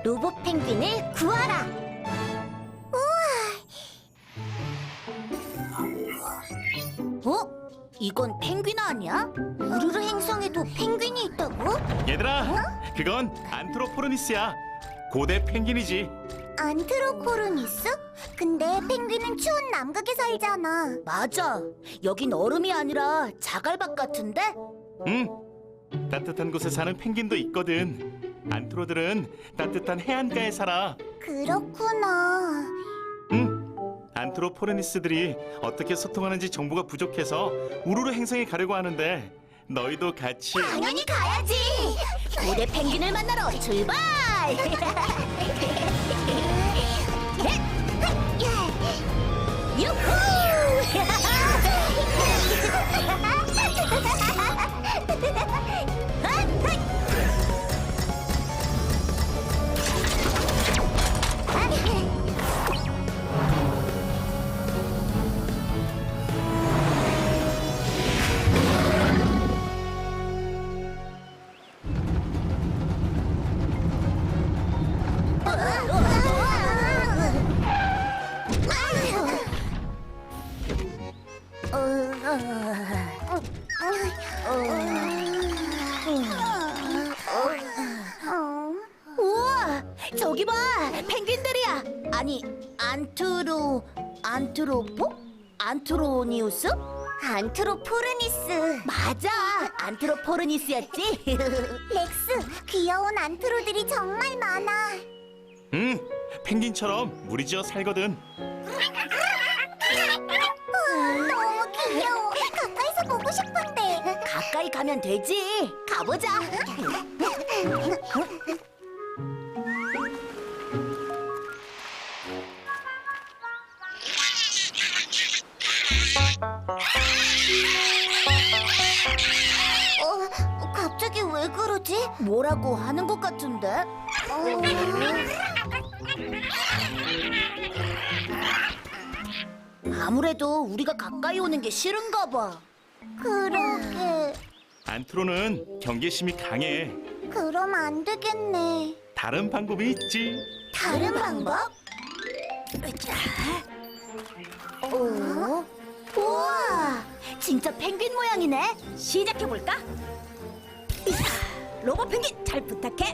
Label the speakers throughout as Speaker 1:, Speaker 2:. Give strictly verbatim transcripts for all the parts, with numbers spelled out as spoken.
Speaker 1: 로봇 펭귄을 구하라. 우와! 어? 이건 펭귄 아니야? 우르르 행성에도 펭귄이 있다고?
Speaker 2: 얘들아, 그건 안트로포르니스야. 고대 펭귄이지.
Speaker 1: 안트로포르니스? 근데 펭귄은 추운 남극에 살잖아. 맞아. 여긴 얼음이 아니라 자갈밭 같은데?
Speaker 2: 응. 따뜻한 곳에 사는 펭귄도 있거든. 안트로들은 따뜻한 해안가에 살아.
Speaker 1: 그렇구나.
Speaker 2: 응. 안트로포르니스들이 어떻게 소통하는지 정보가 부족해서 우르르 행성에 가려고 하는데 너희도 같이.
Speaker 1: 당연히 가야지. 고대 펭귄을 만나러 출발. 유후! 우와, 저기 봐, 펭귄들이야. 아니, 안트로, 안트로포? 안트로니우스? 안트로포르니스. 맞아, 안트로포르니스였지. 렉스, 귀여운 안트로들이 정말 많아.
Speaker 2: 응. 펭귄처럼 무리지어 살거든.
Speaker 1: 너무 귀여워. 가까이서 보고 싶은데. 가까이 가면 되지. 가보자. 어, 갑자기 왜 그러지? 뭐라고 하는 것 같은데? 어... 아무래도 우리가 가까이 오는 게 싫은가 봐. 그러게.
Speaker 2: 안트로는 경계심이 강해.
Speaker 1: 그럼 안 되겠네.
Speaker 2: 다른 방법이 있지.
Speaker 1: 다른 방법? 자. 오. 우와! 진짜 펭귄 모양이네. 시작해볼까? 로봇 펭귄 잘 부탁해.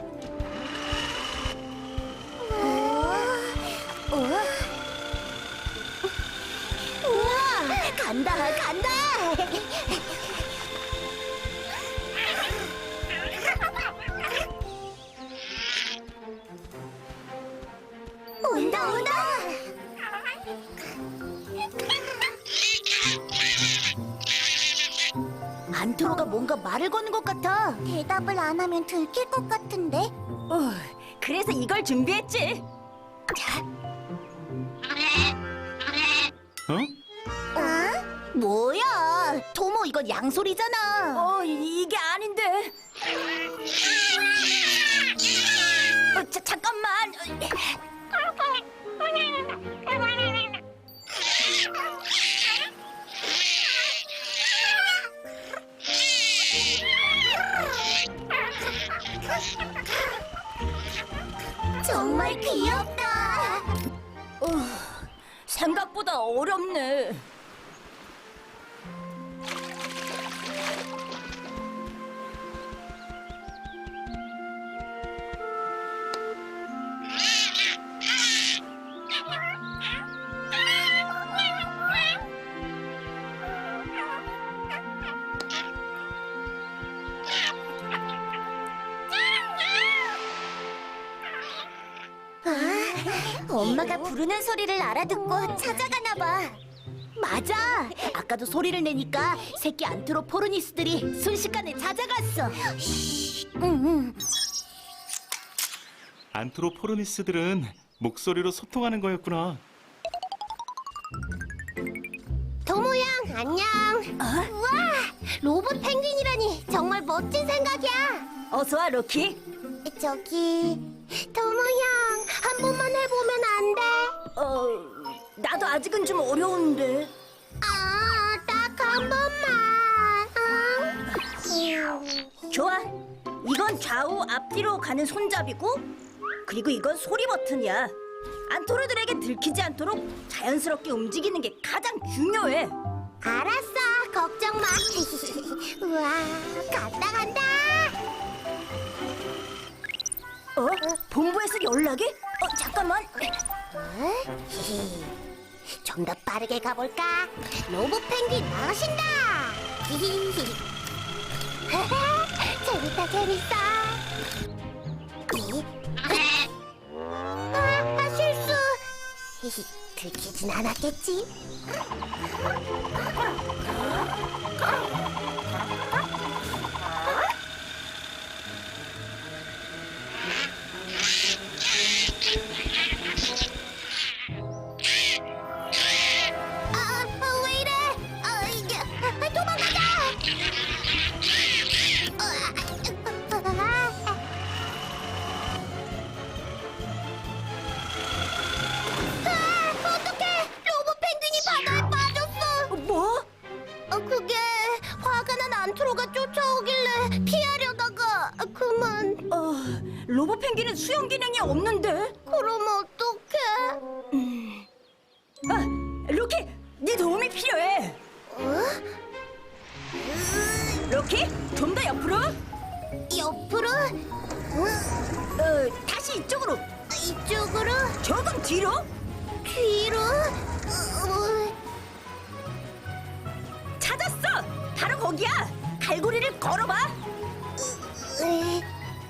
Speaker 1: 우와! 우와! 간다, 간다! 온다, 온다! 안트로가 뭔가 말을 거는 것 같아. 대답을 안 하면 들킬 것 같은데?
Speaker 3: 어, 그래서 이걸 준비했지.
Speaker 2: 어?
Speaker 1: 어? 뭐야? 토모, 이건 양소리잖아.
Speaker 3: 어, 이- 이게 아닌데. 어, 자, 잠깐만.
Speaker 1: 정말 귀엽다.
Speaker 3: 어, 생각보다 어렵네.
Speaker 1: 엄마가 부르는 소리를 알아듣고 찾아가나 봐. 맞아. 아까도 소리를 내니까 새끼 안트로포르니스들이 순식간에 찾아갔어. 응, 응.
Speaker 2: 안트로포르니스들은 목소리로 소통하는 거였구나.
Speaker 1: 도모양 안녕. 우와, 로봇 펭귄이라니 정말 멋진 생각이야.
Speaker 3: 어서 와, 로키.
Speaker 1: 저기 도모양 한 번만 해보면 안 돼?
Speaker 3: 어, 나도 아직은 좀 어려운데.
Speaker 1: 아, 딱 한 번만. 응?
Speaker 3: 좋아. 이건 좌우 앞뒤로 가는 손잡이고, 그리고 이건 소리 버튼이야. 안토로들에게 들키지 않도록 자연스럽게 움직이는 게 가장 중요해.
Speaker 1: 알았어, 걱정 마. 우와, 간다 간다.
Speaker 3: 어? 본부에서 연락이? 어, 잠깐만.
Speaker 1: 좀 더 빠르게 가볼까? 로봇 펭귄 나오신다. 재밌다 재밌어. 아, 아 실수. 들키진 않았겠지? 아, 아, 왜 이래? 아, 이게 아, 도망가자! 아, 어떡해! 로봇 펭귄이 바다에 빠졌어!
Speaker 3: 어, 뭐?
Speaker 1: 어, 그게 화가 난 안트로가 쫓아오길래 피하려다가 그만.
Speaker 3: 어, 로봇 펭귄은 수영 기능이 없는데.
Speaker 1: 그럼 어떡해?
Speaker 3: 아, 로키, 네 도움이 필요해.
Speaker 1: 어?
Speaker 3: 로키, 좀 더 옆으로.
Speaker 1: 옆으로?
Speaker 3: 어, 다시 이쪽으로.
Speaker 1: 이쪽으로?
Speaker 3: 조금 뒤로.
Speaker 1: 뒤로? 어,
Speaker 3: 찾았어. 바로 거기야. 갈고리를 걸어봐.
Speaker 1: 에,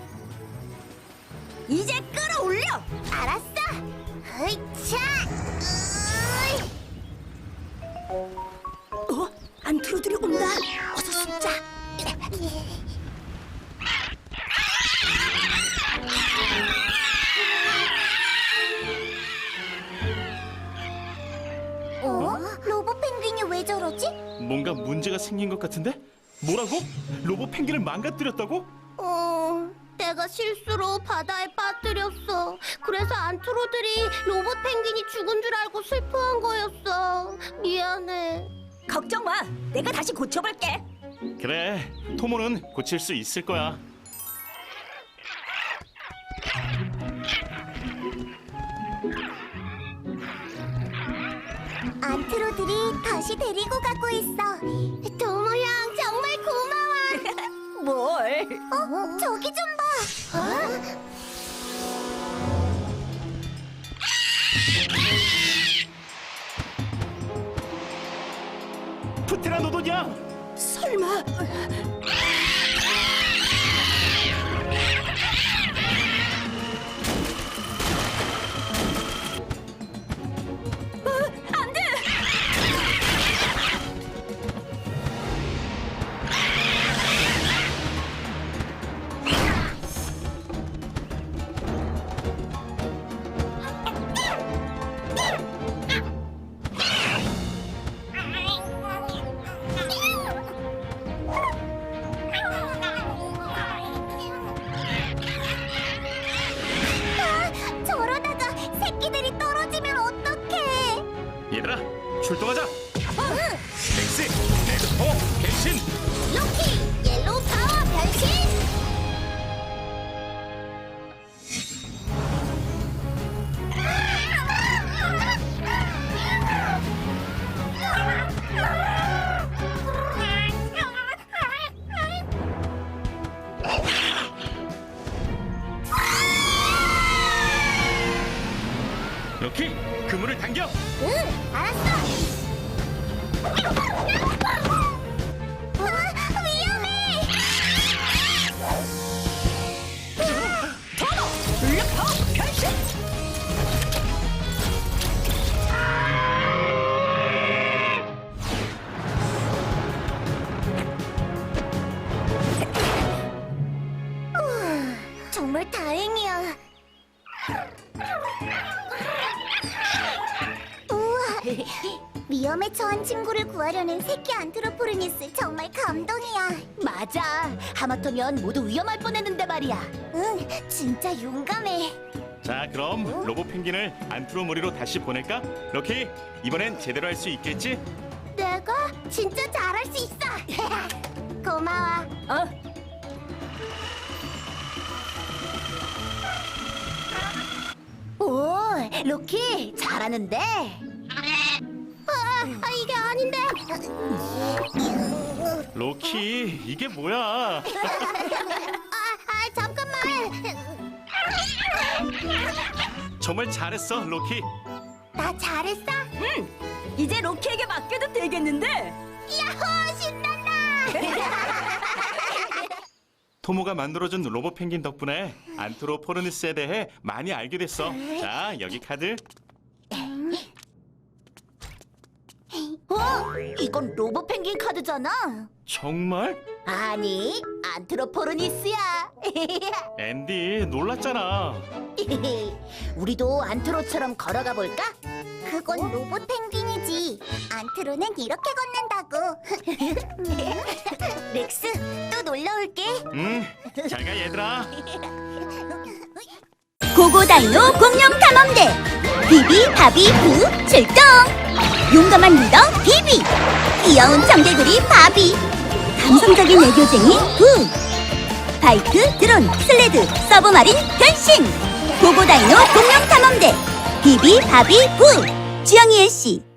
Speaker 3: 이제 끌어올려.
Speaker 1: 알았어. 으이차. 으이.
Speaker 3: 어? 안트로들이 온다. 어서 숨자.
Speaker 1: 어? 로봇 펭귄이 왜 저러지?
Speaker 2: 뭔가 문제가 생긴 것 같은데? 뭐라고? 로봇 펭귄을 망가뜨렸다고?
Speaker 1: 어, 내가 실수로 바다에 빠뜨렸어. 그래서 안트로들이 로봇 펭귄이 죽은 줄 알고 슬퍼한 거였어. 미안해.
Speaker 3: 걱정 마. 내가 다시 고쳐볼게.
Speaker 2: 그래, 토모는 고칠 수 있을 거야.
Speaker 1: 안트로들이 다시 데리고 가고 있어. 도모 형 정말 고마워.
Speaker 3: 뭘?
Speaker 1: 어? 저기 좀 봐. 어?
Speaker 2: 프테라노돈이야!
Speaker 3: 설마? 어, 안 돼!
Speaker 1: 아, 저러다가 새끼들이 떨어지면 어떡해?
Speaker 2: 얘들아, 출동하자!
Speaker 1: 응.
Speaker 2: 엑스, 레드 파워, 갱신!
Speaker 1: 로키 옐로우 파워 변신.
Speaker 2: 로키, 그물을 당겨!
Speaker 1: 응, 알았어. 아, 위험해.
Speaker 3: 토모! 블랙 파워 변신!
Speaker 1: 우와, 정말 다행이야. 우와, 위험에 처한 친구를 구하려는 새끼 안트로포르니스 정말 감동이야. 맞아, 하마터면 모두 위험할 뻔했는데 말이야. 응, 진짜 용감해.
Speaker 2: 자, 그럼 로봇 펭귄을 안트로모리로 다시 보낼까? 로키, 이번엔 제대로 할 수 있겠지?
Speaker 1: 내가 진짜 잘할 수 있어. 고마워.
Speaker 3: 어?
Speaker 1: 로키 잘하는데. 아, 아 이게 아닌데.
Speaker 2: 로키, 이게 뭐야?
Speaker 1: 아, 아 잠깐만.
Speaker 2: 정말 잘했어, 로키.
Speaker 1: 나 잘했어?
Speaker 3: 응. 이제 로키에게 맡겨도 되겠는데?
Speaker 1: 야호 신난다.
Speaker 2: 토모가 만들어준 로봇 펭귄 덕분에 안트로포르니스에 대해 많이 알게 됐어. 자, 여기 카드.
Speaker 1: 어? 이건 로봇 펭귄 카드잖아.
Speaker 2: 정말?
Speaker 1: 아니, 안트로포르니스야.
Speaker 2: 앤디, 놀랐잖아.
Speaker 1: 우리도 안트로처럼 걸어가 볼까? 그건 로봇 펭귄이지. 안트로는 이렇게 걷는다고. 렉스, 또 놀러 올게.
Speaker 2: 응, 잘 가, 얘들아.
Speaker 1: 고고다이노 공룡 탐험대 비비 바비 부 출동. 용감한 리더 비비, 귀여운 청개구리 바비, 감성적인 애교쟁이 부, 바이크, 드론, 슬레드, 서브마린 변신. 고고다이노 공룡 탐험대 비비 바비 부. 주영이 씨